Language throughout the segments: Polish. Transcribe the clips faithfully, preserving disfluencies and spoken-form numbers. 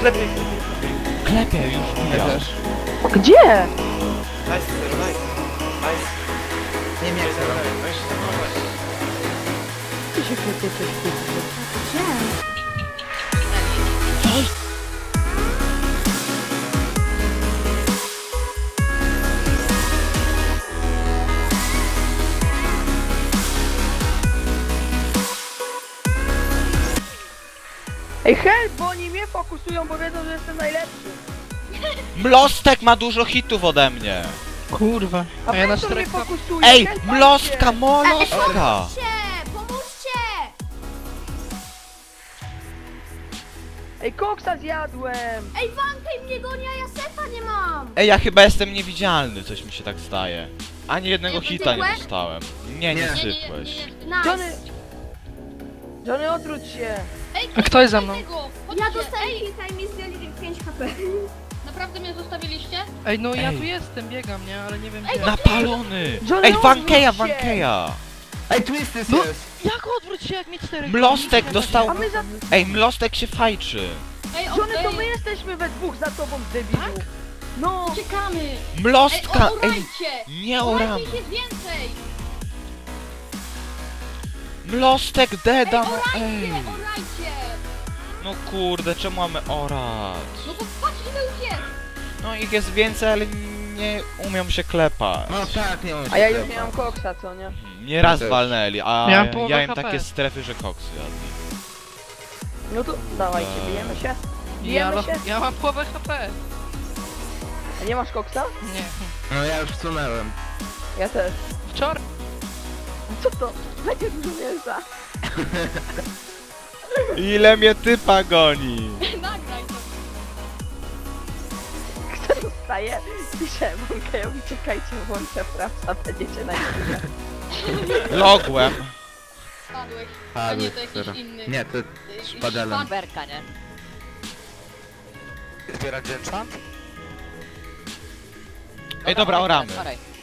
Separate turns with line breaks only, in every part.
Klepie.
Klepie już
Ja
ja.
też.
Gdzie?
Nice, zero, nice. Nice.
Nie miałem zero.
Weź się zachować.
Ty się klepiecie w kuchni.
Gdzie?
Ej, help, bo oni mnie fokusują, bo wiedzą, że jestem najlepszy.
Mlostek ma dużo hitów ode mnie.
Kurwa.
A
A ja na
Pętor mnie
czterech...
fokusuje.
Ej,
help,
mlostka,
patrzcie.
molostka.
Pomóżcie! Pomóżcie!
Ej, koksa zjadłem.
Ej, Wankej mnie goni, a ja sefa nie mam!
Ej, ja chyba jestem niewidzialny, coś mi się tak zdaje. Ani jednego
Nie,
hita nie
sypłeś?
dostałem. Nie, nie
Nie.
sypłeś.
Johnny,
Nice!
Johnny, odwróć się.
Ej,
A kto jest za mną?
tego,
Ja
chodźcie.
dostałem
Ej,
hita i mi zdjęli pięć H P.
naprawdę mnie zostawiliście?
Ej, no ja
Ej.
tu jestem, biegam, nie? Ale nie wiem
Ej,
gdzie.
Napalony!
Johnny,
Ej, Wankeja,
odwróć się.
Wankeja!
Ej, Twisty
No.
jest! Jak odwróć się, jak mi czterech...
Mlostek dostał...
A my za...
Ej, Mlostek się fajczy.
Ej,
Johnny, to
ej,
my jesteśmy we dwóch za tobą, debilu. No.
uciekamy! Ej,
Mlostka!
o,
Ej,
orajcie!
nie oramy.
Orajcie ich jest więcej!
Mlostek
Ej,
deda, no
orajcie,
ej.
orajcie!
No kurde, czemu mamy orać?
No to patrzcie, ile już jest!
No ich jest więcej, ale nie umią się klepać.
No tak, nie mam
A ja już nie mam koksa, co nie?
Nie raz
też.
walnęli, a
Miałem połowę
ja im
H P.
takie strefy, że koksy jadli.
No to dawajcie, bijemy się.
Ja,
Bijemy
mam-
się.
ja mam połowę H P.
A nie masz koksa?
Nie.
No ja już wsunęłem.
Ja też.
Wczoraj...
Co to? Będzie dużo mięsa.
Ile mnie typa goni?
Nagraj to!
Kto dostaje? Piszę Wankejowi, czekajcie, włączę frapsa, będziecie na chwilę.
Logłem.
Padłeś. A nie, to jakiś
Zero.
inny.
Nie, to
Y,
szpadelem.
Berka, nie?
Zbierać enchant?
Ej, dobra, oramy.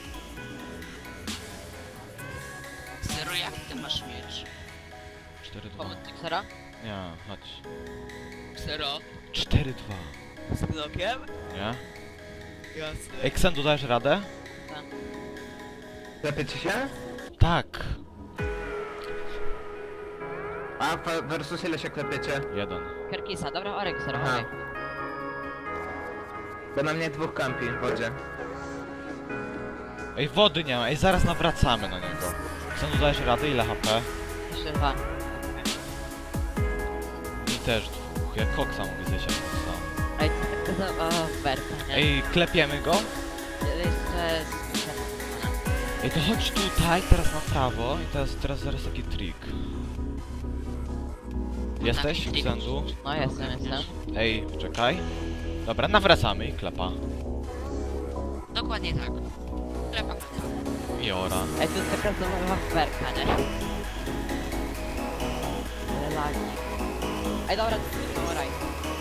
Zero, jak ty masz miecz?
cztery dwa.
Zero?
Nie, chodź.
Zero?
cztery dwa.
Z blokiem?
Nie?
Jasne.
Ej, Ksendu, dajesz radę?
Klepiecie się?
Tak.
A fa- versus ile się klepiecie?
Jeden.
Kerkisa, dobra, Orek, zero,
Aha.
Orek.
Bo na mnie dwóch kampi w wodzie.
Ej, wody nie ma. Ej, zaraz nawracamy na niego. Ksendu, dajesz radę? Ile H P?
Jeszcze dwa.
Mi też dwóch. Jak koksa mogę zjeść jak koksa.
Ej, to to... O, Berka, nie?
Ej, klepiemy go?
Jeszcze...
Ej, to chodź tutaj, teraz na prawo i teraz, teraz zaraz taki trik. Jesteś, Ksendu?
No, jestem, jestem.
Ej, czekaj. Dobra, nawracamy i klepa.
Dokładnie tak. Klepa.
I ora.
Ej, to jest taka zabawa w Berka, nie? Ale lagi. Ej, dobra, to oraj.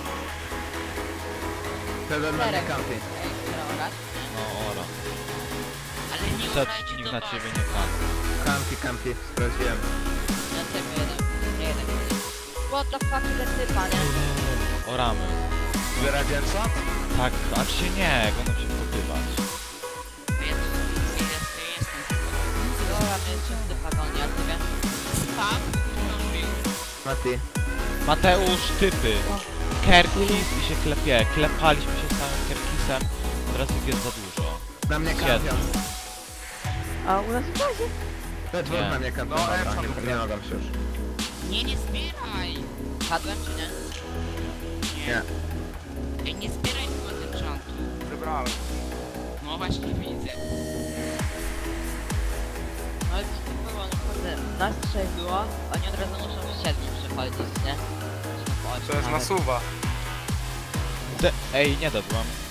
Wtedy na mnie kampi.
Ej, zero, orać.
No, ora.
Ale nie
Niestety nikt na ciebie nie kam.
Kampi, kampi, sprawdziłem.
Na ciebie jeden. Nie jeden. What the fuck, ile typa, nie?
Oramy.
Zbierać enchant?
Tak, acz się nie, będą się popywać.
Więc... Ile ty jestem? Dobra, więc się typa goni, a ciebie? Spam?
Mati.
Mateusz, typy. Kerkis i się klepie. Klepaliśmy się z samym Kerkisem. Teraz ich jest za dużo.
Na mnie
Siedem.
kampią.
A u nas w bazie.
We dwóch
Nie.
na mnie kampią. Dobra, nie, nie mogę się już.
Nie, nie zbieraj! Padłem czy nie?
Nie.
Ej, nie zbieraj tego enchantu.
Wybrałem.
No właśnie widzę. Ale to nie było, no kurde, nas trzech było, oni od razu muszą w siedmiu przechodzić, nie? Czy po ośmiu
To jest
nawet.
nasuwa.
De Ej, nie dadłam.